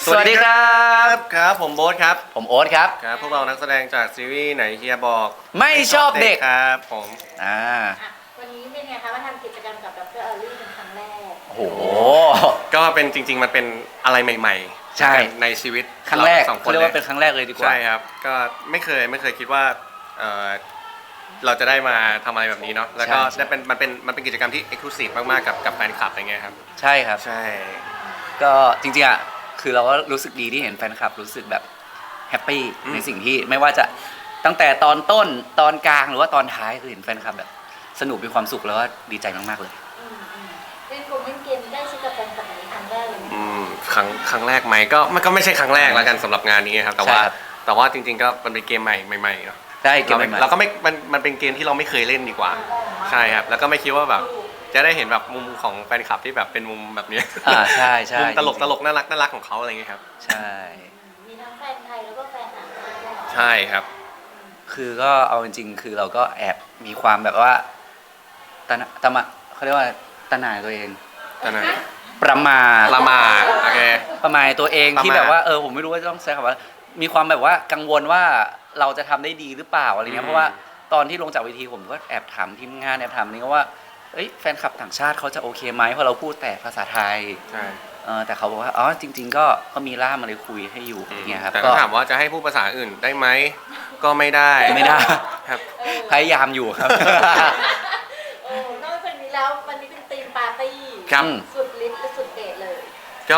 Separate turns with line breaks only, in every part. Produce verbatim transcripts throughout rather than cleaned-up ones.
สวัสดีครับ
ครับผมโบ๊ทครับ
ผมโอ๊ตครับ
ครับพวกเรานักแสดงจากซีรีส์ไหนเฮียบอก
ไม่ชอบเด็ก
ครับผม
อ่า
วันนี้เป็นไงคะมาทำกิจกรรมกับดร.เอลลี่เป็นครั้งแรก
โอ้โห
ก็เป็นจริงๆมันเป็นอะไรใหม่ๆ
ใช่
ในชีวิต
ครั้งแรก
สองค
เขา
น
เรียก
เลย
ว่าเป็นครั้งแรกเลยดีกว่า
ใช่ครับก็ไม่เคยไม่เคยคิดว่าเออเราจะได้มาทำอะไรแบบนี้เนาะแล้วก็ได้เป็นมันเป็นมันเป็นกิจกรรมที่เอ็กซ์คลูซีฟมากๆกับกับแฟนคลับอะไรเงี้ยครับ
ใช่ครับ
ใช่
ก็จริงๆอ่ะคือเราก็รู้สึกดีที่เห็นแฟนคลับรู้สึกแบบแฮปปี้ในสิ่งที่ไม่ว่าจะตั้งแต่ตอนต้นตอนกลางหรือว่าตอนท้ายคือเห็นแฟนคลับแบบสนุกมีความสุขแล้วก็ดีใจมากๆเลย
เล่นกลุ่มเล่นเกมได้ชิดกับแฟนคลับในครั้งแรกเลย
อืมครั้งครั้งแรกไหมก็มันก็ไม่ใช่ครั้งแรกแล้วกันสำหรับงานนี้ครับแต่ว่าแต่ว่าจริงๆก็มันเป็นเกมใหม่ใหม่ๆเนาะ
ได้เกมใหม่
เราก็ไม่มันมันเป็นเกมที่เราไม่เคยเล่นดีกว่าใช่ครับแล้วก็ไม่คิดว่าแบบจะได้เห็นแบบมุมของแฟนคลับที่แบบเป็นมุมแบบนี้
อ่าใช่ใช่
มุมตลกตลกน่ารักน่ารักของเขาอะไรเงี้ยครับ
ใช่
มีทั้งแฟนไทยแล้วก็แฟนต่างประเทศ
ใช่ครับ
คือก็เอาจริงๆคือเราก็แอบมีความแบบว่าตะตะมะเขาเรียกว่าตะหน่ายตัวเอง
ตะหน่าย
ประมาท
ประมาทโอเค
ประมาทตัวเองที่แบบว่าเออผมไม่รู้ว่าจะต้องใช้คำว่ามีความแบบว่ากังวลว่าเราจะทำได้ดีหรือเปล่าอะไรเงี้ยเพราะว่าตอนที่ลงจากเวทีผมก็แอบถามทีมงานแอบถามนี่ก็ว่าเอ้ยแฟนคลับต่างชาติเขาจะโอเคไหมเพราะเราพูดแต่ภาษาไทย
ใช่
เออแต่เขาบอกว่าอ๋อจริงๆก็ก็มีล่ามมาเลยคุยให้อยู่อย่างเงี้ยครับ
แต่ก็ถามว่าจะให้พูดภาษาอื่นได้ไหมก็ไม่ได้
ไม่ได้
ครับ
พยายามอยู่ครับ
โอ้นอกจากนี้แล้ววันนี้เป็นธีมปาร์ตี้สุดฤทธิ์และสุดเดชเลย
ก็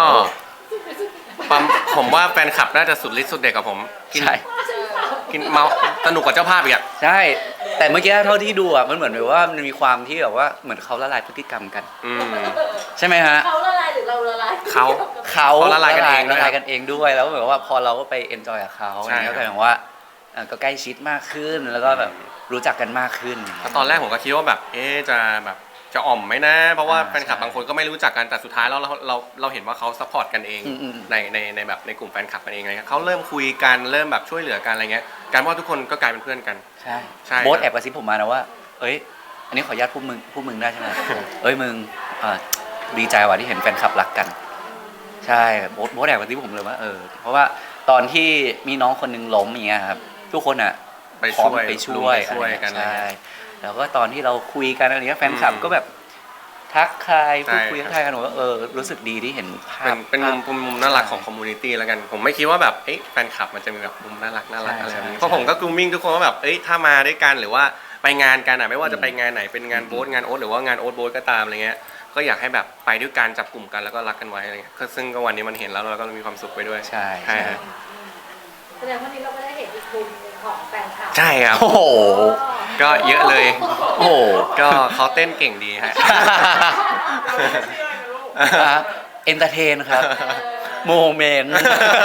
ผมว่าแฟนคลับน่าจะสุดฤทธิ์สุดเด็กกับผมกินกินเมาสนุกกว่าเจ้าภาพอีกอ่ะ
ใช่แต่เมื่อกี้เท่าที่ดูอ่ะมันเหมือนแบบว่ามันมีความที่แบบว่าเหมือนเขาละลายพฤติกรรมกันใช่ไหมฮะ
เขาละลายหรือเราละลาย
เขา
เขา
ละลายกันเอง
ละลายกันเองด้วยแล้วแบบว่าพอเราก็ไปเอนจอยกับเขาอย่างนี้ก็กลายเป็นว่าก็ใกล้ชิดมากขึ้นแล้วก็แบบรู้จักกันมากขึ้น
ตอนแรกผมก็คิดว่าแบบเอ๊ะจะแบบจะอ่อมไหมนะเพราะว่าแฟนคลับบางคนก็ไม่รู้จักกันแต่สุดท้ายแล้วเราเราเราเห็นว่าเขาซัพพอร์ตกันเองในในในแบบในกลุ่มแฟนคลับกันเองอะไรเงี้ยเขาเริ่มคุยกันเริ่มแบบช่วยเหลือกันอะไรเงี้ยการว่าทุกคนก็กลายเป็นเพื่อนกัน
ใช่ใช่โบ๊ทแอบกระซิบผมมานะว่าเอ้ยอันนี้ขออนุญาตพูดมึงพูดมึงได้ใช่ไหมเอ้ยมึงดีใจว่ะที่เห็นแฟนคลับรักกันใช่โบ๊ทโบ๊ทแอบกระซิบผมเลยว่าเออเพราะว่าตอนที่มีน้องคนนึงล้มอย่างเงี้ยครับทุกคนอ่ะ
ไปช่วย
ไปช่วยกันใช่แล้วก็ตอนที่เราคุยกันอะไรเงี้ยแฟนคลับก็แบบทักทายพูดคุยทักทายกันหนูก็เออรู้สึกดีที่เห็นภาพ
เป็นมุมเป็นมุมน่ารักของคอมมูนิตี้แล้วกันผมไม่คิดว่าแบบเอ้ยแฟนคลับมันจะมีแบบมุมน่ารักน่ารักอะไรแบบนี้เพราะผมก็กรูมมิ่งทุกคนว่าแบบเอ้ยถ้ามาด้วยกันหรือว่าไปงานกันอ่ะไม่ว่าจะไปงานไหนเป็นงานโบ๊ทงานโอ๊ตหรือว่างานโอ๊ตโบ๊ทก็ตามอะไรเงี้ยก็อยากให้แบบไปด้วยกันจับกลุ่มกันแล้วก็รักกันไว้อะไรเงี้ยซึ่งก็วันนี้มันเห็นแล้วเราก็มีความสุขไปด้วย
ใช่
ใช่
แสดงว่านี้เราก็ได้เห็นอีกมุมของแฟนคลับ
ใช่ครับ
โอ้โห
ก็เยอะเลย
โอ้
ก็เขาเต้นเก่งดีฮะ
เอนเตอร์เทนครับโมเมนต์
งาน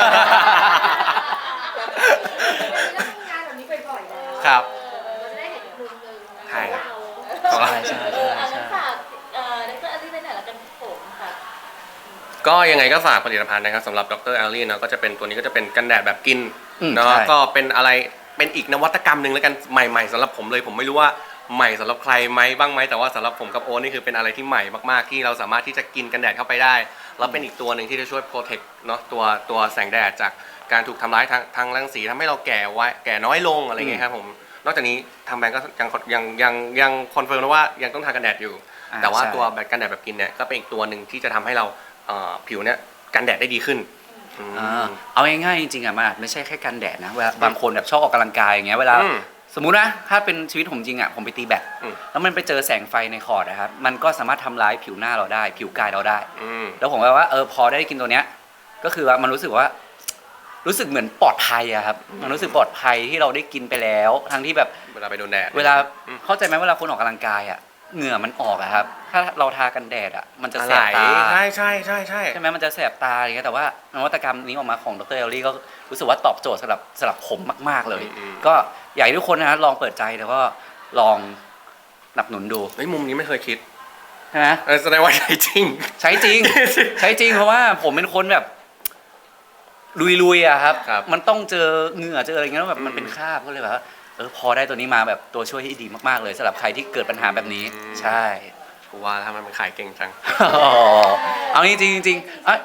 แบบนี้บ่อยๆแล้ว
ครับ
เราจะได้เห็นอีกมุมนึง
ใช่
ใช่ใช่ใช่
ใช่ฝากเอ่อดร.อลลี่ไปไหนละกันผมค่ะ
ก็ยังไงก็ฝากผลิตภัณฑ์นะครับสำหรับดร.อลลี่เนาะก็จะเป็นตัวนี้ก็จะเป็นกันแดดแบบกินเนาะก็เป็นอะไรเป็นอีกนวัตกรรมหนึ่งแล้วกันใหม่ๆสำหรับผมเลยผมไม่รู้ว่าใหม่สำหรับใครไหมบ้างไหมแต่ว่าสำหรับผมกับโอ๊ตนี่คือเป็นอะไรที่ใหม่มากๆที่เราสามารถที่จะกินกันแดดเข้าไปได้แล้วเป็นอีกตัวหนึ่งที่จะช่วยโปรเทคเนาะตัวตัวแสงแดดจากการถูกทำร้ายทางทางรังสีทำให้เราแก่ไว้แก่น้อยลงอะไรเงี้ยครับผมนอกจากนี้ทางแบรนด์ก็ยังยังยังยังคอนเฟิร์มนะว่ายังต้องทากันแดดอยู่แต่ว่าตัวแบบกันแดดแบบกินเนี่ยก็เป็นอีกตัวหนึ่งที่จะทำให้เราผิวเนี่ยกันแดดได้ดีขึ้น
เอาง่ายๆจริงๆอ่ะมันไม่ใช่แค่กันแดดนะเวลาบางคนแบบชอบออกกำลังกายอย่างเงี้ยเวลาสมมุตินะถ้าเป็นชีวิตผมจริงอ่ะผมไปตีแบดแล้วมันไปเจอแสงไฟในคอร์ดนะครับมันก็สามารถทำร้ายผิวหน้าเราได้ผิวกายเราได้แล้วผมว่าเออพอได้กินตัวเนี้ยก็คือว่ามันรู้สึกว่ารู้สึกเหมือนปลอดภัยอะครับมันรู้สึกปลอดภัยที่เราได้กินไปแล้วทั้งที่แบบ
เวลาไปโดนแดด
เวลาเข้าใจไหมเวลาคนออกกำลังกายอะเหงื่อมันออกอะครับถ้าเราทากันแดดอะมันจะแสบตา
ใช่ใช่ใช่ใช่
ใช่ไหมมันจะแสบตาอย่างเงี้ยแต่ว่านวัตกรรมนี้ออกมาของดร.เอลลี่ก็รู้สึกว่าตอบโจทย์สำหรับสำหรับผมมากๆเลยก็อยากให้ทุกคนนะลองเปิดใจแล้วก็ลองหนับหนุนดู
เฮ้ยมุมนี้ไม่เคยคิด
ใช่ไหม
แสดงว่าใช้จริง
ใช้จริงใช้จริงเพราะว่าผมเป็นคนแบบลุยๆอะครับมันต้องเจอเหงื่อเจออะไรเงี้ยแบบมันเป็นคราบก็เลยแบบเออพอได้ตัวนี้มาแบบตัวช่วยที่ดีมากๆเลยสำหรับใครที่เกิดปัญหาแบบนี้ใช่
กูว่าถ้ามันขายเก่งจัง
เอาจริงจริงจริง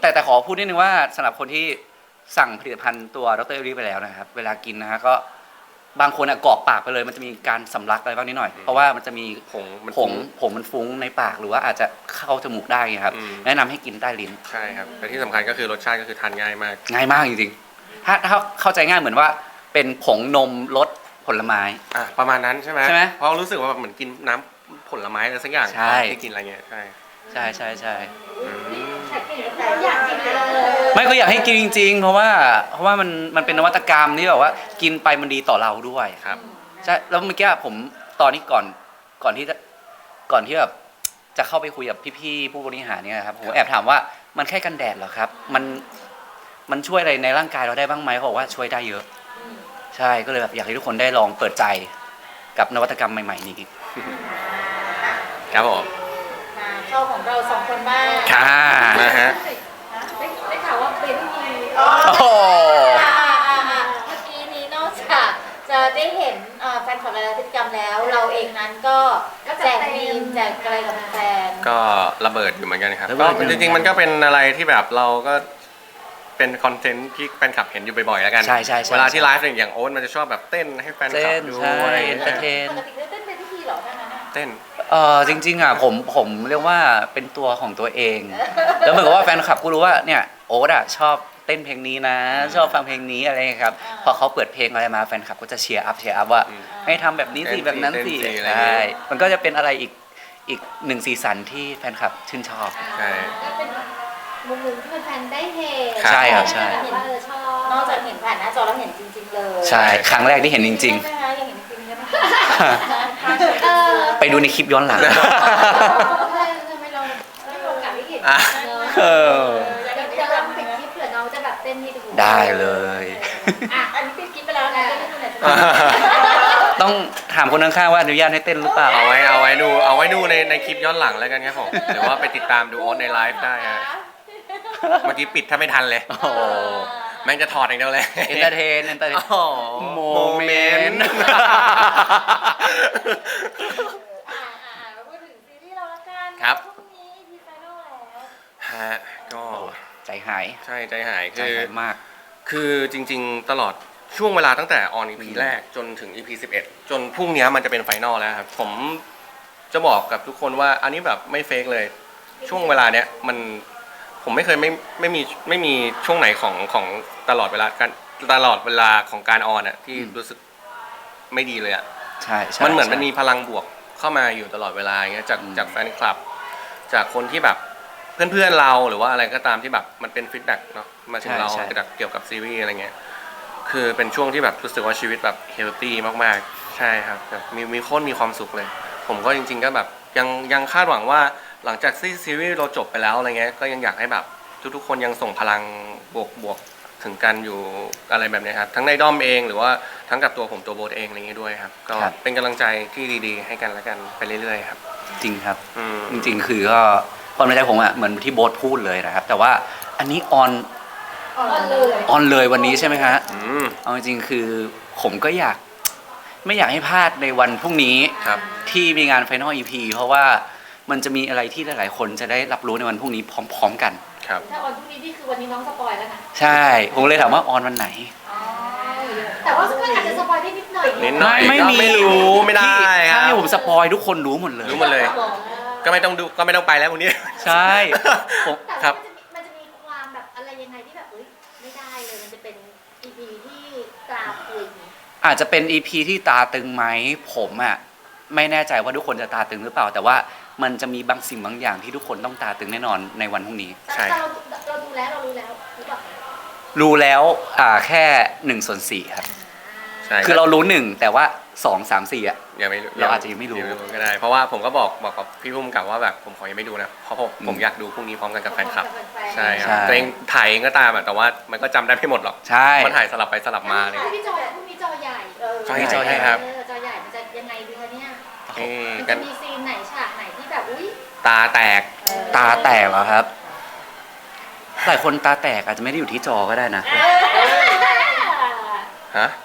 แต่แต่ขอพูดนิดนึงว่าสำหรับคนที่สั่งผลิตภัณฑ์ตัวดรเอลลี่ไปแล้วนะครับเวลากินนะฮะก็บางคนอะกรอกปากไปเลยมันจะมีการสำลักอะไรบ้างนิดหน่อยเพราะว่ามันจะมี
ผงมัน
ผงผงมันฟุ้งในปากหรือว่าอาจจะเข้าจมูกได้ไงครับ
อืม
แนะนำให้กินใต้ลิ้น
ใช่ครับแต่ที่สำคัญก็คือรสชาติก็คือทานง่ายมาก
ง่ายมากจริงๆถ้าถ้าเข้าใจง่ายเหมือนว่าเป็นผงนมรสผลไม้
อ่ะประมาณนั้นใช่ไหม
ใช่ไหม
เพราะรู้สึกว่าแบบเหมือนกินน้ำผลไม้อะไรสักอย่าง
ใช่
ที่กินอะไรเงี้ยใช่
ใช่ใช่ใช่
อืม
อยากกินเลย
ไม่ก็อยากให้กินจริง ๆ เพราะว่าเพราะว่ามันมันเป็นนวัตกรรมที่แบบว่ากินไปมันดีต่อเราด้วย
ครับ
ใช่แล้วเมื่อกี้ผมตอนนี้ก่อนก่อนที่จะก่อนที่แบบจะเข้าไปคุยกับพี่ๆผู้บริหารเนี่ยครับผมแอบถามว่ามันแค่กันแดดเหรอครับ มันมันช่วยอะไรในร่างกายเราได้บ้างไหมเขาบอกว่าช่วยได้เยอะ ใช่ก็เลยแบบอยากให้ทุกคนได้ลองเปิดใจกับนวัตกรรมใหม่ๆนี้
ครับผม
มาเข้าของเราสองคนบ้าง
ค่ะ
นะฮะ
ได้ได้ข่าวว่าเป็นมี
โอ้โห
อ่าอ่าอ่าเมื่อกี้นี้นอกจากจะได้เห็นเอ่อแฟนคลับรายพฤติกรรมแล้ว เราเองนั้นก็แจกมีมแจกอะไรกับแฟน
ก็ระเบิดอยู่เหมือนกันครับ
ระเบิ
ก็
ดอยู่
จริงๆมันก็เป็นอะไรที่แบบเราก็เป็นคอนเทนต์ที่แฟนคลับเห็นอยู่บ่อยๆแล้วกัน
ใช่ใช่ใช่
เวลาที่ไลฟ์อย่างโอ๊ตมันจะชอบแบบเต้นให้แฟนคลับ
เต้น
ดู
ใช่
อะไร
เอนเตอร์เทน
ปกติได้เต้นเป็นพิธีเหรอท่านนั้นน่ะ
เต้น
เออจริง ๆอ่ะผมผมเรียกว่าเป็นตัวของตัวเอง แล้วเหมือนกับว่าแฟนคลับก็รู้ว่าเนี่ยโอ๊ตอ่ะชอบเต้นเพลงนี้นะ ชอบฟังเพลงนี้อะไรอย่างเงี้ยครับพอเขาเปิดเพลงอะไรมาแฟนคลับก็จะเชียร์อัพเชียร์อัพว่า
อืม
ให้ทำแบบนี้สิ
เต้นสิ
แบบนั้นสิ
เต้นสิอะไรอย่างเงี้
ใช่
ย
มันก็จะเป็นอะไรอีกอีกหนึ่งสีสันที่แฟนคลับชื่นชอบ
ใช่
ก็เป็นมุมหนึ่งที่แฟนๆได้เห็น
ใช่ครับใช่
เห็นว่าเออชอบ
นอกจากเห็นผ่านหน้าจอแล้วเห็นจริง ๆ เลย
ใช่ครั้งแรกที่เห็นจริง
ใช่ไหมคะยังเห็นจริงๆใช่ไหม
เออ
ๆ ไปดูในคลิปย้อนหลัง
ทำไมเราไม่มีโอกาสได้เห็น
อ่ะ
เนอะ
เออ
เดี๋ยวจะลองปิดคลิปเผื่อน้องจะแบบเต้นให้ดู
ได้เลย
อ่ะอันนี้ปิดคลิปไปแล้วนะก็ไม่ดูไหนจะ
ต้องถามคนข้างๆว่าอนุญาตให้เต้นหรือเปล่า
เอาไว้เอาไว้ดูเอาไว้ดูในในคลิปย้อนหลังแล้วกันครับผมหรือว่าไปติดตามดูโอ๊ตในไลฟ์ได้ฮะเมื่อกี้ปิดถ้าไม่ทันเลย
โอ้โห
แม่งจะถอดอย่างเดียวเลย
เอนเตอร์เทนเอนเตอร์เทน
อ๋อ
โมเมนต์
อ่าอ่าอ่ามาพูดถึงซีรีส์เราละกัน
ครับ
พรุ่งนี้พีไฟนอลแล้ว
ฮะก็
ใจหาย
ใช่ใจหาย
ใจ
คือ
หายมาก
คือจริงๆ ตลอดช่วงเวลาตั้งแต่ออน อี พี แรกจนถึง อี พี สิบเอ็ด จนพรุ่งนี้มันจะเป็นไฟนอลแล้วครับ ผมจะบอกกับทุกคนว่าอันนี้แบบไม่เฟกเลย ช่วงเวลาเนี้ยมันผมไม่เคยไม่ไม่มีไม่มีช่วงไหนของของตลอดเวลาการตลอดเวลาของการออนอ่ะที่
อืม
รู้สึกไม่ดีเลยอ่ะ
ใช่ใช่
มันเหมือน
ใช่
มันมีพลังบวกเข้ามาอยู่ตลอดเวลาอย่างเงี้ยจาก
อืม
จากแฟนคลับ จากคนที่แบบเพื่อนๆเราหรือว่าอะไรก็ตามที่แบบมันเป็นฟีดแบ็กเนาะมาถึงเราจากเกี่ยวกับซีรีส์อะไรเงี้ยคือเป็นช่วงที่แบบรู้สึกว่าชีวิตแบบเฮลตี้มากๆ ใช่ครับแบบมีมีโค้นมีความสุขเลย ผมก็จริง ๆ ก็แบบยังยังคาดหวังว่าหลังจากที่ซีรีส์เราจบไปแล้วอะไรเงี้ยก็ยังอยากให้แบบทุกๆคนยังส่งพลังบวกบวกถึงกันอยู่อะไรแบบเนี้ยครับทั้งในด้อมเองหรือว่าทั้งกับตัวผมตัวโบทเองอะไรเงี้ยด้วยครับก็เป็นกำลังใจที่ดีๆ ให้กันและกันไปเรื่อยๆครับ
จริงครับ
อืม
จริงๆ คือก็ความในใจผมอ่ะเหมือนที่โบ๊ทพูดเลยนะครับ แต่ว่าอันนี้ออน
ออนเลย
ออนเลยวันนี้ใช่ไหมฮะ
อืม
เอาจริงๆ คือผมก็อยากไม่อยากให้พลาดในวันพรุ่งนี้
ครับ
ที่มีงาน Final อี พี เพราะว่ามันจะมีอะไรที่หลายๆ คนจะได้รับรู้ในวันพรุ่งนี้พร้อม ๆ กัน
ครับ
ถ้าออนพรุ่งนี้นี่คือวันนี้น้องสปอยแล้วนะ
ใช่ ผมเลยถามว่าออนวันไหน
อ๋อ
แต่ว่าก็อาจจะสปอยได้นิดหน่อย
นิดหน่อย
ไม่
ก็
มี
ไม่รู้ไม่ได้
ที่
ครั
ถ้า
บ
ให้ผมสปอยทุกคนรู้หมดเลย
รู้หมดเลย ก็ไม่ต้องดูก็ไม่ต้องไปแล้วพรุ่งนี้
ใช่ผม
แต่
ครั
ว่า
บ
มันจะมีมันจะมีความแบบอะไรยังไงที่แบบเอ้ยไม่ได้เลยมันจะเป็น อี พี ที่กราฟคุย
อาจจะเป็น อี พี ที่ตาตึงไหมผมอ่ะไม่แน่ใจว่าทุกคนจะตาตึงหรือเปล่า แต่ว่ามันจะมีบางสิ่งบางอย่างที่ทุกคนต้องตาตึงแน่นอนในวันพรุ่งนี้
ใช่
แต่เราเราดูแล้วเรารู้แล้วหรือเปล่า
รู้แล้วอ่าแค่หนึ่งส่วนสี่ครับ
ใช่
คือเรารู้หนึ่งแต่ว่าสองสามสี่อ่ะ
ยังไม่รู้
เราอาจจะยังไม่รู้
ก็ได้ เพราะว่าผมก็บอกบอกกับพี่พุ่มกับว่าแบบผมขอยังไม่ดูนะเพราะผม
อืม
ผมอยากดูพรุ่งนี้พร้อมกันกับแฟนคลับ ใช่ครับ
ใช่
ตัวเองถ่ายเองก็ตามอะแต่ว่ามันก็จำได้ไม่หมดหรอก
ใช่
มันถ่ายสลับไปสลับมาเลย
พรุ่งนี้จอพรุ่งนี้จอใหญ่
เออ
ใช่
จอใหญ่
ครับ
เออจอใหญ่มันจะยังไงดีคะเนี่ย
เอ้ย
มัน
กั
จะ
น
มีซีนไหนฉากไหนที่แบบอุ้ย
ตาแตก
ตาแตกเหรอครับหลายคนตาแตกอาจจะไม่ได้อยู่ที่จอก็ได้นะ
ฮะ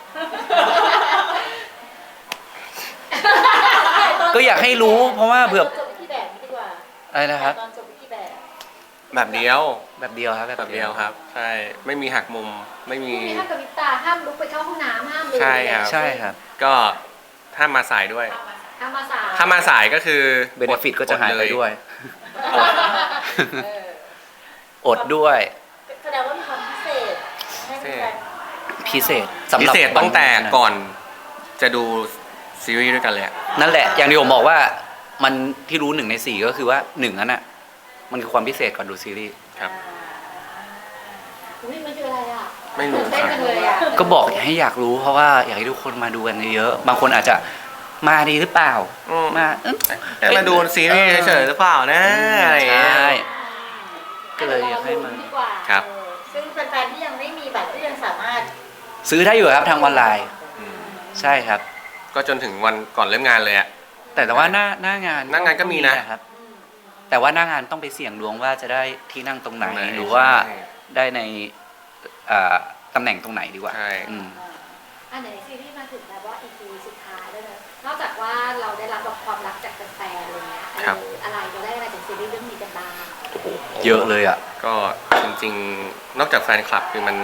ก็อยากให้รู้เพราะว่าเผื่อ
จบพิธีแบบนี้ดีกว่า
อะไรนะครับ
ตอนจบพิธีแบบ
แบบเดียว
แบบเดียวครับ
แบบเดียวครับใช่ไม่มีหักมุมไม่มี
พรุ่งนี้ห้ามกระพริบตาห้ามลุกไปเข้าห้องน้ำห้ามเลย
ใช่ครับ
ใช่ครับ
ก็ถ้ามาสายด้วย
ห้ามมาสาย
ถ้ามาสายก็คือ
เบนฟิตก็จะหายไปด้วย
เออ
อดด้วย
แสดงว่ามีความพิเศษให้แฟน
พิเศษสำ
พิ
หรับ
เศษตั้งแต่
วันนี้นะ
ก่อนจะดูซีรีส์ด้วยกันเลยอะ
นั่นแหละ อย่างที่ผมบอกว่ามันที่รู้หนึ่งในสี่ก็คือว่าหนึ่งนั้นอ่ะมันคือความพิเศษก่อนดูซีรีส์
ครับ
อุ้ยมันคืออะไรอ่ะ
ไม่รู้
ตื่นเต้นจังเลยอ่ะ
ก็บอกให้อยากรู้เพราะว่าอยากให้ทุกคนมาดูกันเยอะๆบางคนอาจจะมาดีหรือเปล่า
อืม
มาเอ้ย
แต่มาดูซีรีส์เฉยๆหรือเปล่านะอะไรอย่างเงี้ย
ใช่ ก็เลยอยากให้มัน
ดีกว่า
ครับ
เออซึ่งแฟนๆที่ยังไม่มีบัตรก็ยังสามารถ
ซื้อได้อยู่ครับทางออนไลน์
อืม
ใช่ครับ
ก็จนถึงวันก่อนเริ่มงานเลยอะ
แต่แต่ว่าหน้าหน้างาน
หน้างานก็มีนะ
ครับ แต่ว่าหน้างานต้องไปเสี่ยงดวงว่าจะได้ที่นั่งตรงไหน
ตรงไหน
หรือว่า
ใช่
ได้ในเอ่อตำแหน่งตรงไหนดีกว่า
ใช่
อืม
อันไหนซีรีส์มาถึงแบบว่า อี พี สุดท้ายแล้วเนอะนอกจากว่าเราได้รับแบบความรักจากแฟนๆอะไรเงี้ย
ครับ
อะไรเราได้อะไรจากซีรีส์เรื่องนี้กันบ้าง
เยอะเลยอ่ะ
ก็จริงๆ นอกจากแฟนคลับคือมัน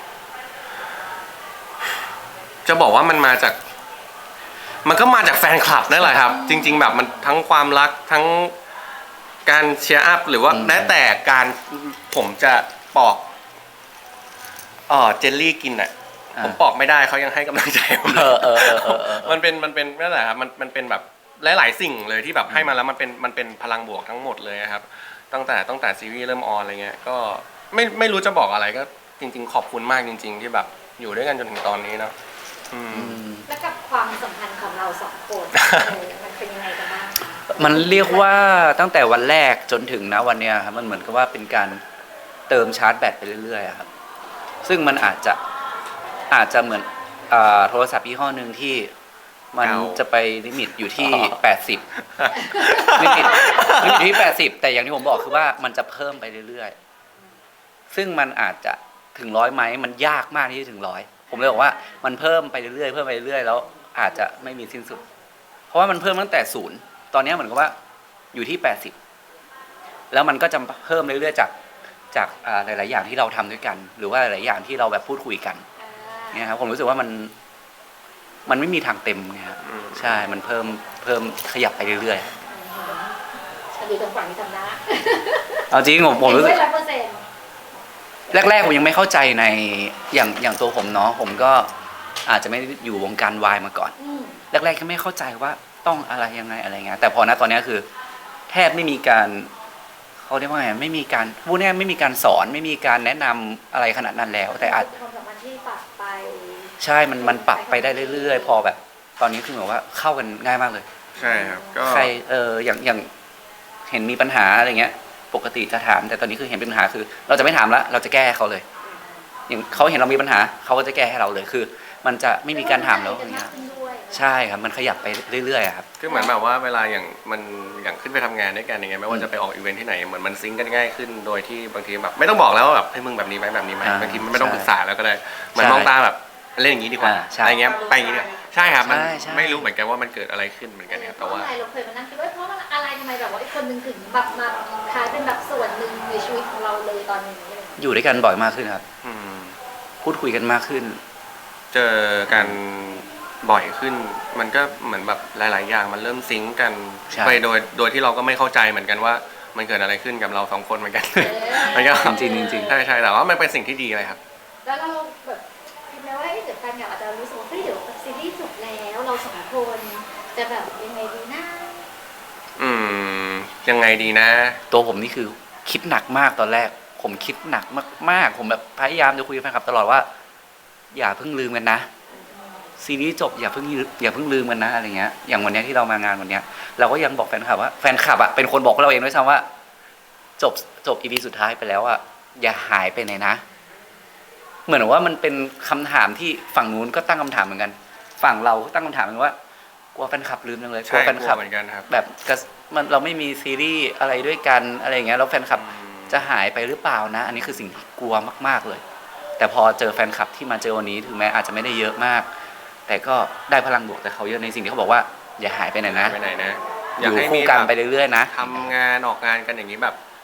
จะบอกว่ามันมาจาก มันก็มาจากแฟนคลับนั่นแหละครับ จริง ๆ แบบมันทั้งความรักทั้งการเชียร์อัพหรือว่า
อืม
แม้แต่การผมจะปอกเอ๋อเจลลี่กินอ่ะ
อ่า
ผมปอกไม่ได้เขายังให้กำลังใจผม
เออเออเออเออเออ
มันเป็นมันเป็นนั่นแหละครับมันมันเป็นแบบหลาย ๆ สิ่งเลยที่แบบให้มาแล้วมันเป็นมันเป็นพลังบวกทั้งหมดเลยครับ ตั้งแต่ตั้งแต่ซีรีส์เริ่มออนอะไรเงี้ยก็ไม่ไม่รู้จะบอกอะไรก็จริง ๆ ขอบคุณมากจริง ๆ ที่แบบอยู่ด้วยกันจนถึงตอนนี้เนาะอืม
อืม
แล้วกับความสัมพันธ์ของเราสองคนเออมันเป็นยังไงกันบ้างคะ
มันเรียกว่าตั้งแต่วันแรกจนถึงนะวันเนี้ยครับมันเหมือนกับว่าเป็นการเติมชาร์จแบตไปเรื่อยๆอะครับ ซึ่งมันอาจจะอาจจะเหมือนอ่าโทรศัพท์ยี่ห้อหนึ่งที่มัน
เก่า
จะไปลิมิตอยู่ที่
อ๋อ
แปดสิบลิมิตลิมิตที่แปดสิบแต่อย่างที่ผมบอกคือว่ามันจะเพิ่มไปเรื่อยๆ ซึ่งมันอาจจะถึงร้อยไหมมันยากมากที่จะถึงร้อยผมเลยบอกว่ามันเพิ่มไปเรื่อยๆเพิ่มไปเรื่อยๆแล้วอาจจะไม่มีสิ้นสุด เพราะว่ามันเพิ่มตั้งแต่ศูนย์ตอนนี้เหมือนกับว่าอยู่ที่แปดสิบแล้วมันก็จะเพิ่มเรื่อยๆจากจากอ่าหลายๆอย่างที่เราทำด้วยกัน หรือว่าหลายๆอย่างที่เราแบบพูดคุยกัน
อ่า
เนี่ยครับผมรู้สึกว่ามันมันไม่มีทางเต็มไงครับ
อืม
ใช่มันเพิ่มเพิ่มขยับไปเรื่อย
ฉันดูตรงฝั่งที่ทำหน้า
ๆเอาจริงผมผมรู้สึก
ร้อยเปอร์เซ็นต์
แรกๆผมยังไม่เข้าใจในอย่างอย่างตัวผมเนาะผมก็อาจจะไม่ได้อยู่วงการวายมาก่อน
อืม
แรกๆก็ไม่เข้าใจว่าต้องอะไรยังไงอะไรเงี้ยแต่พอนะตอนนี้คือ แทบไม่มีการเขาเรียกว่าไงไม่มีการพูดง่ายๆไม่มีการสอนไม่มีการแนะนำอะไรขนาดนั้นแล้ว แต่อาจ
ความสัมพันธ์ที่ปรับไป
ใช่มันมันปรับไปได้เรื่อยๆ พอแบบ ตอนนี้คือแบบว่าเข้ากันง่ายมากเลย
ใช่ครับก็
ใครเอออย่างอย่างเห็นมีปัญหาอะไรเงี้ย ปกติจะถามแต่ตอนนี้คือเห็นเป็นปัญหาคือ เราจะไม่ถามละเราจะแก้ให้เขาเลย อย่างเขาเห็นเรามีปัญหาเขาก็จะแก้ให้เราเลยคือ มันจะไม่มีการถามแล้วอย่างเงี้ย ใช่ครับมันขยับไปเรื่อยๆอะครับ
คือเหมือนแบบว่าเวลาอย่างมันอย่างขึ้นไปทำงานด้วยกันอย่างเงี้ยไม่ว่าจะไปออกอีเวนท์ที่ไหนเหมือนมันซิงก์กันง่ายขึ้นโดยที่บางทีแบบไม่ต้องบอกแล้วว่าแบบให้ยมึงแบบนี้ไหมแบบนี้ไหม
อ่า
บางทีมันไม่ต้อง
ใช่
ปรึกษาแล้วก็ได้เหมัน
ใช่
มองตาแบบเล่นอย่างนี้ดีกว่า
อ่าใช่
อะไรเงี้ยไปอย่างนี้ดีกว่าใช่ครับมัน
ใช่ใช่
ไม่รู้เหมือนกันว่ามันเกิดอะไรขึ้นเหมือนกันครับแต่ว่า
เพราะอะไรเราเคยมานั่งคิดว่าเพราะมันอะไรทำไมแบบว่าไอ้คนหนึ่งถึงแบบมาคล้ายเป็นแบบส่วนหนึ่งในชีวิตของเราเลยตอนนี้อะไรอย่างเงี้ย
อยู่ด้วยกันบ่อยมากขึ้นครับ
อืม
พูดคุยกันมากขึ้น
เจอกันบ่อยขึ้น มันก็เหมือนแบบหลาย ๆ อย่างมันเริ่มซิงก์กัน
ใช่
ไปโดยโดยที่เราก็ไม่เข้าใจเหมือนกันว่ามันเกิดอะไรขึ้นกับเราสองคนเหมือนกัน มันก็
จริงๆจริงๆ
ใช่ใช่แต่ว่ามันเป็นสิ่งที่ดีเลยครับ
แล้วเราแบบคิดไหมว่าเอ้ยเดี๋ยวแฟนอยากอาจจะรู้สึกว่าเฮ้ยเดี๋ยวซีรีส์จบแล้วเราสองคนจะแบบยังไงดีนะ
อืมยังไงดีนะ
ตัวผมนี่คือคิดหนักมากตอนแรก ผมคิดหนักมากๆ ผมแบบพยายามจะคุยกับแฟนคลับตลอดว่า อย่าเพิ่งลืมกันนะซีรีส์จบอย่าเพิ่งอย่าเพิ่งลืมกันนะอะไรเงี้ยอย่างวันเนี้ยที่เรามางานวันเนี้ยเราก็ยังบอกแฟนคลับว่าแฟนคลับอ่ะเป็นคนบอกเราเองด้วยซ้ำว่า จบจบอีพีสุดท้ายไปแล้วอ่ะอย่าหายไปไหนนะ เหมือนว่ามันเป็นคำถามที่ฝั่งนู้นก็ตั้งคำถามเหมือนกัน ฝั่งเราก็ตั้งคำถามเหมือนกันว่ากลัวแฟนคลับลืมจังเลยกลั
ใช่
วแฟน
ก
ค
ลั
ลั
ว
บ
เหมือนกันครับ
แบบกระมันเราไม่มีซีรีส์อะไรด้วยกันอะไรอย่างเงี้ยแล้วแฟนคลับจะหายไปหรือเปล่านะ อันนี้คือสิ่งที่กลัวมากๆเลย แต่พอเจอแฟนคลับที่มาเจอวันนี้ถึงแม้อาจจะไม่ได้เยอะมาก แต่ก็ได้พลังบวกแต่เขาเยอะในสิ่งที่เขาบอกว่าอย่าหายไปไหนนะ
ไปไหนนะ
อยู่คู่กันไปเรื่อยๆนะ
ทำงานออกงานกันอย่างนี้แบบ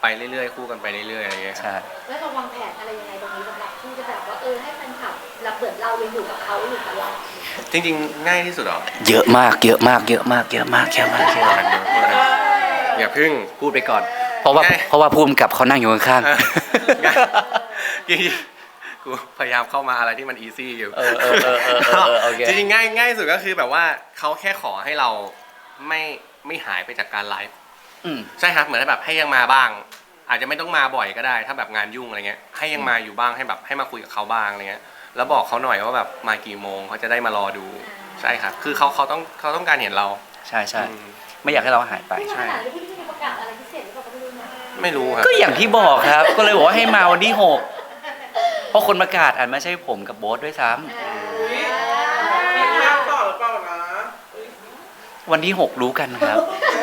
ไปเรื่อยๆคู่กันไปเรื่อยๆอะไรเงี้ยครับ
ใช่
แล้วเราวางแผนอะไรยังไงตรงนี้สำหรับที่จะแบบว่าเออให้แฟนคลับเราเปิดเรายังอยู่กับเขาอยู่กับเรา
จริงๆ ง่ายที่สุดเหรอ
เยอะมากเยอะมากเยอะมากเยอะมากเยอะมากเยอะมาก
อย่าพึ่ง
พูดไปก่อน เพราะว่า
ง่าย
เพราะว่าภูมิกับเขานั่งอยู่ข้าง
ง่ายจริงๆกูพยายามเข้ามาอะไรที่มันอีซี่อยู่
เออเออเออเออเออเออโอเค
จริงๆง่ายง่ายสุดก็คือแบบว่าเขาแค่ขอให้เราไม่ไม่หายไปจากการไลฟ์
อืม
ใช่ครับเหมือนแบบให้ยังมาบ้าง อาจจะไม่ต้องมาบ่อยก็ได้ ถ้าแบบงานยุ่งอะไรเงี้ยให้ยังมาอยู่บ้างให้แบบให้มาคุยกับเขาบ้างอะไรเงี้ยแล้วบอกเขาหน่อยว่าแบบมากี่โมงเขาจะได้มารอดูใช่ครับคือเขาเขาต้องเขาต้องการเห็นเรา
ใช่ใช่
อืม
ไม่อยากให้เราหายไป
ที่มาขนาดนี้พี่ที่มีประกาศอะไรพิเศษหรือเปล่าก็ไม่รู้นะ
ไม่รู้ครับ
ก็อย่างที่บอกครับ ก็เลยบอกว่าให้มาวันที่หกเพราะคนประกาศอาจไม่ใช่ผมกับโบ๊ทด้วยซ้ำ
มีภาพต่อหรือเปล่านะ
วันที่หกรู้กันครับ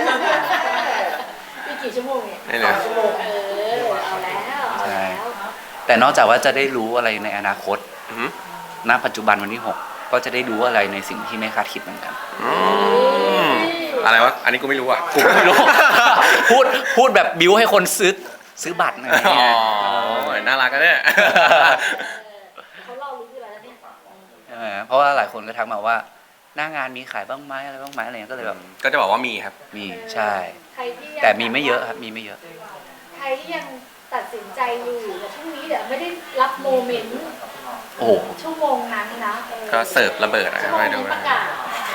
มีกี่ชั่วโมงเนี่ย
นี่เลย
ชั่วโมง
เออเอาแล้วเอาแล้ว
แต่นอกจากว่าจะได้รู้อะไรในอนาคต
อือหือ
ณ ปัจจุบันวันที่หกก็จะได้รู้อะไรในสิ่งที่ไม่คาดคิดเหมือนกัน
อืมอะไรวะอันนี้กูไม่รู้อ่ะ
กูก็ไม่รู้ พูดพูดแบบบิ้วให้คนซื้อซื้อบัตรอะไรอย่าง
อ๋
เงี้ย
อน่ารักกันเนี่ย
เขาเล่ารู้อยู่แล้วเนี่ย
ใช่ไหมเพราะว่าหลายคนก็ทักมาว่า หน้างานมีขายบ้างไหมอะไรบ้างไหมอะไรเงี้ยก็เลยแบบ
ก็จะบอกว่ามีครับ
มีใช่
ใครที่ยัง
แต่มีไม่เยอะครับมีไม่เยอะ
ใครที่ยังตัดสินใจอยู่แต่ช่วงนี้เดี๋ยวไม่ได้รับโมเมนต์
โอ้โห
ชั่วโมงนั้นนะออ
ก็เสิร์ฟระเบิดอะ
ชั่วโมง
ไป
นี้
ดู
ป
นะ
ระกาศ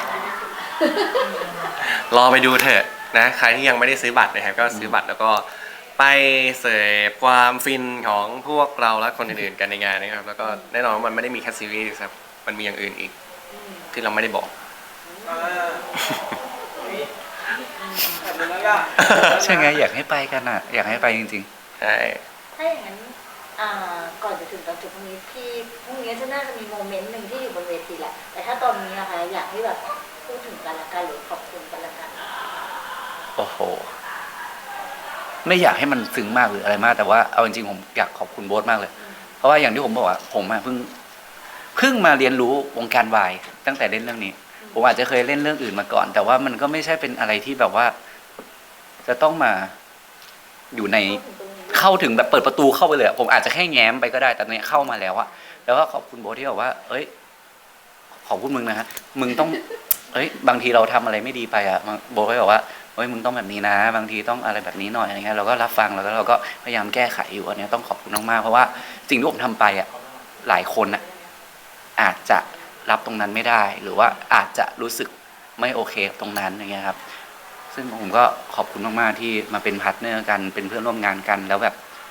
รอไปดูเถอะนะใครที่ยังไม่ได้ซื้อบัตรนะครับก็ซื้อบัตรแล้วก็ไปเสพความฟินของพวกเราและคนอื่นๆกันในงานนะครับแล้วก็แน่นอนว่ามันไม่ได้มีแค่ซีรีส์ครับมันมีอย่างอื่นอีกที่เราไม่ได้บอก
อ่าอุ๊ยแบบนั้นล่ะ
ใช่ไงอยากให้ไปกันอ่ะ อยากให้ไปจริง
ใช่
ถ้าอย่างนั้นอ่าก่อนจะถึงตอนจบพรุ่งนี้พี่พรุ่งนี้จะน่าจะมีโมเมนต์หนึ่งที่อยู่บนเวทีแหละ แต่ถ้าตอนนี้นะคะอยากให้แบบพูดถึงกันละกันหรือขอบคุณกันละกัน
ๆ โอ้โห ไม่อยากให้มันซึ้งมากหรืออะไรมาก แต่ว่าเอาจริงๆผมอยากขอบคุณโบ๊ทมากเลย เพราะว่าอย่างที่ผมบอกว่าผมอะเพิ่งเพิ่งมาเรียนรู้วงการวายตั้งแต่เล่นเรื่องนี้ ผมอาจจะเคยเล่นเรื่องอื่นมาก่อน แต่ว่ามันก็ไม่ใช่เป็นอะไรที่แบบว่า จะต้องมาอยู่ใน เข้าถึงแบบเปิดประตูเข้าไปเลยอะผมอาจจะแค่แง้มไปก็ได้แต่เนี้ยเข้ามาแล้วอะแล้วก็ขอบคุณโบ๊ทที่บอกว่า เอ้ย ขอบคุณมึงนะฮะมึงต้อง เอ้ย บางทีเราทำอะไรไม่ดีไปอะโบ๊ทก็บอกว่าเอ้ยมึงต้องแบบนี้นะ บางทีต้องอะไรแบบนี้หน่อยอะไรเงี้ยเราก็รับฟังแล้วก็เราก็พยายามแก้ไขอยู่อันเนี้ยต้องขอบคุณมากๆเพราะว่าสิ่งที่ผมทำไปอะหลายคนอะอาจจะรับตรงนั้นไม่ได้ หรือว่าอาจจะรู้สึกไม่โอเคกับตรงนั้นอย่างเงี้ยครับ ซึ่งผมก็ขอบคุณมากๆที่มาเป็นพาร์ทเนอร์กันเป็นเพื่อนร่วมงานกันแล้วแบบ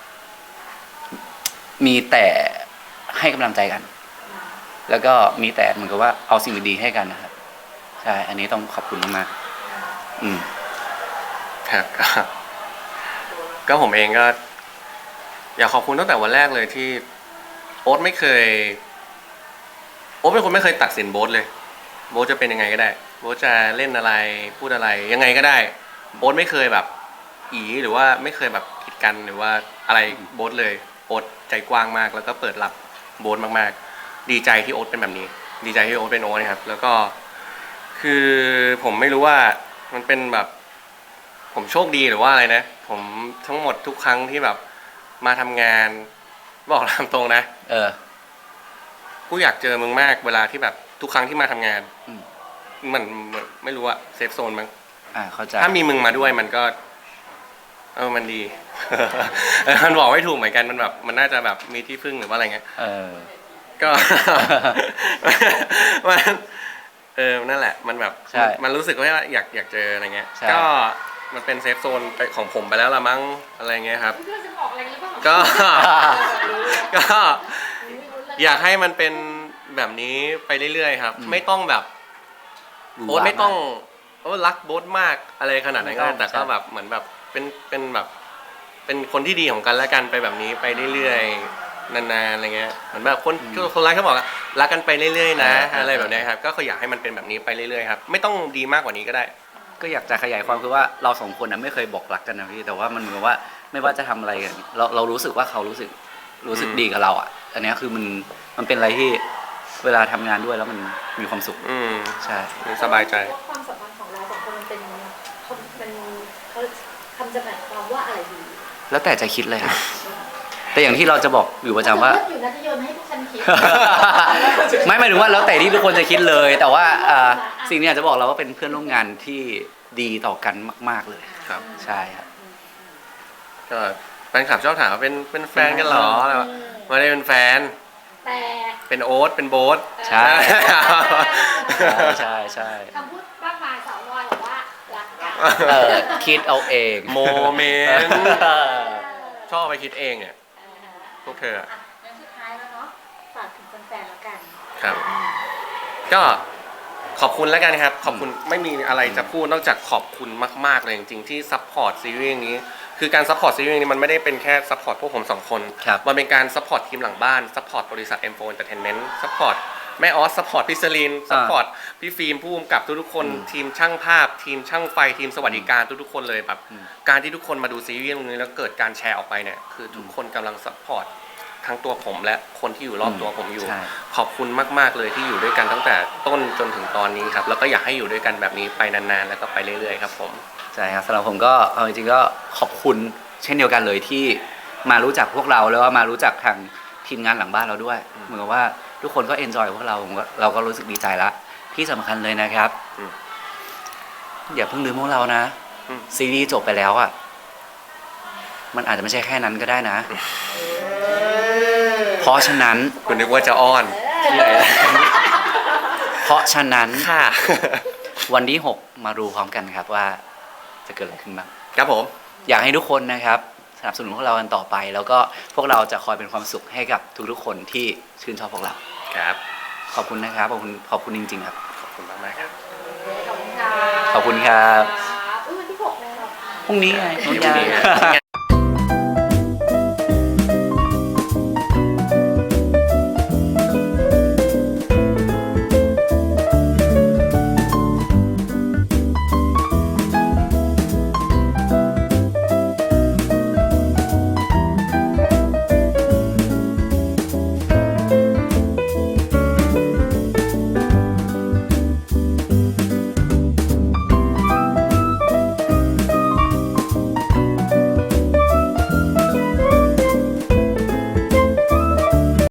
มีแต่ให้กำลังใจกัน แล้วก็มีแต่เหมือนกับว่าเอาสิ่งดีๆให้กันนะครับใช่อันนี้ต้องขอบคุณมากๆอืม
ครับก็ก็ผมเองก็ อยากขอบคุณตั้งแต่วันแรกเลยที่โอ๊ตไม่เคยโอ๊ตเป็นคนไม่เคยตัดสินโบ๊ทเลยโบ๊ทจะเป็นยังไงก็ได้โบ๊ทจะเล่นอะไรพูดอะไรยังไงก็ได้โบ๊ทไม่เคยแบบอีหรือว่าไม่เคยแบบกีดกันหรือว่าอะไรโบ๊ทเลยโอ๊ตใจกว้างมากแล้วก็เปิดรับโบ๊ทมากๆดีใจที่โอ๊ตเป็นแบบนี้ ดีใจที่โอ๊ตเป็นโอ๊ตนะครับแล้วก็คือผมไม่รู้ว่ามันเป็นแบบผมโชคดีหรือว่าอะไรนะผมทั้งหมดทุกครั้งที่แบบมาทำงานบอกตามตรงนะ
เออ
กูอยากเจอมึงมากเวลาที่แบบทุกครั้งที่มาทำงาน
อืม
มันมันไม่รู้อะเซฟโซนมั้ง
อ่าเข้าใจ
ถ้ามีมึงมาด้วยมันก็ เออมันดี เออมันบอกไม่ถูกเหมือนกันมันแบบ มันน่าจะแบบมีที่พึ่งหรือว่าอะไรเงี้ย
เออ
ก็ มันเออนั่นแหละ มันแบบ
ใช่
มันรู้สึกว่าอยากอยากเจออะไรเงี้ย
ใช่
ก็มันเป็นเซฟโซนไปของผมไปแล้วละมั้งอะไรเงี้ยครับ
เพื่อนจะบอกอะไรหรือเปล่า
ก็ ก็ อยากให้มันเป็นแบบนี้ไปเรื่อยๆครับ
อืม
ไม่ต้องแบบ
หวือห
โบ๊ท
วา
ไม่ต้อง
าก
โอ้รักโบ๊ทมากอะไรขนาดนั้นก็
ไม่ต้อง
แต่ก็
ใช่
แบบเหมือนแบบเป็นเป็นแบบ เป็นคนที่ดีของกันและกันไปแบบนี้ไปเรื่อยๆนานๆอะไรเงี้ยเหมือนแบบคนคนรักเขาบอกว่ารักกันไปเรื่อยๆนะอะไรแบบเนี้ยครับก็คืออยากให้มันเป็นแบบนี้ไปเรื่อยๆครับไม่ต้องดีมากกว่านี้ก็ได้
ก็อยากจะขยายความคือว่าเราสองคนนะไม่เคยบอกรักกันนะพี่แต่ว่ามันเหมือนว่าไม่ว่าจะทำอะไรกันเราเรารู้สึกว่าเขารู้สึกรู้สึก
อืม
ดีกับเราอ่ะ อันเนี้ยคือมันมันเป็นอะไรที่เวลาทำงานด้วยแล้วมันมีความสุข
อืม
ใช่
สบายใจ
ว่าความสัมพันธ์ของเราสองคนมันเป็นเขามันเขาคำจำกัดความว่าอะไรดี
แล้วแต่จะคิดเลยครับ แต่อย่างที่เราจะบอกอยู่ประจำว่า
เลิศอยู่นะที่โยนให้พวกฉันคิด
ไม่หมายถึงว่าแล้วแต่ที่ทุกคนจะคิดเลย แต่ว่าอ่าสิ่งนี้อยากจะบอกเราว่าเป็นเพื่อนร่วมงานที่ดีต่อกันมาก ๆเลย
ครับ
ใช่ครับ
ก็แฟนคลับชอบถามว่าเป็นเป็นแฟนกันเหรออะไรวะไม่ได้เป็นแฟน
แต่
เป็นโอ๊ตเป็นโบ๊ท
ใช่ ใช่ใช่
คำพูดมากมายสาววอยบอกว่ารักกัน
เออคิดเอาเอง
โมเมนต์ ชอบไปคิดเองเนี่ยพวกเธออะ
อ่ะงั้นสุดท้ายแล้วเนาะฝากถึงแฟนๆแล้วกัน
ครับ ก็ขอบคุณแล้วกันครับ ขอบคุณไม่มีอะไรจะพูดนอกจากขอบคุณมากๆเลยจริงๆที่ซัพพอร์ตซีรีส์นี้คือการซัพพอร์ตซีรีส์นี้มันไม่ได้เป็นแค่ซัพพอร์ตพวกผมสองคน
ครับ
มันเป็นการซัพพอร์ตทีมหลังบ้านซัพพอร์ตบริษัท เอ็ม โฟร์ Entertainment ซัพพอร์ตแม่ออสซัพพอร์ตพี่สลินซัพพอร์ตพี่ฟิล์มผู้กำกับทุกๆคน
อืม
ทีมช่างภาพ ทีมช่างไฟทีมสวัสดิการทุกๆคนเลยแบบ
อืม
การที่ทุกคนมาดูซีรีส์นี้แล้วเกิดการแชร์ออกไปเนี่ยคือทุกคนกำลังซัพพอร์ตทั้งตัวผมและคนที่อยู่รอบตัวผมอยู่
ใช่
ขอบคุณมากๆเลยที่อยู่ด้วยกันตั้งแต่ต้นจนถึงตอนนี้ครับแล้วก็อยากให้อยู่ด้วยกันแบบนี้ไปนานๆแล้วก็ไปเรื่อยๆครับผม
ใช่ครับสำหรับผมก็เอาจริงๆก็ขอบคุณเช่นเดียวกันเลยที่มารู้จักพวกเราแล้วว่ามารู้จักทางทีมงานหลังบ้านเราด้วยเหมือนกับว่าทุกคนก็เอนจอยพวกเราผมก็เราก็รู้สึกดีใจละที่สำคัญเลยนะครับ
อืม
อย่าเพิ่งลืมพวกเรานะ
อืม
ซีรีส์จบไปแล้วอ่ะมันอาจจะไม่ใช่แค่นั้นก็ได้นะ เพราะฉะนั้น
คุณนึกว่าจะอ้อน
เพราะฉะนั้น
ค่ะ
วันที่หกมาดูพร้อมกันครับว่าจะเกิดอะไรขึ้นบ้าง
ครับผม
อยากให้ทุกคนนะครับสนับสนุนพวกเรากันต่อไป แล้วก็พวกเราจะคอยเป็นความสุขให้กับทุกๆคนที่ชื่นชอบพวกเรา
ครับ
ขอบคุณนะครับขอบคุณขอบคุณจริงๆครับ
ขอบคุณมากๆครับ
ขอบคุณค่ะ
ขอบคุณครับ
อุ้ยวันที่หกแล้ว
พรุ่งนี้ไง
พรุ่งนี้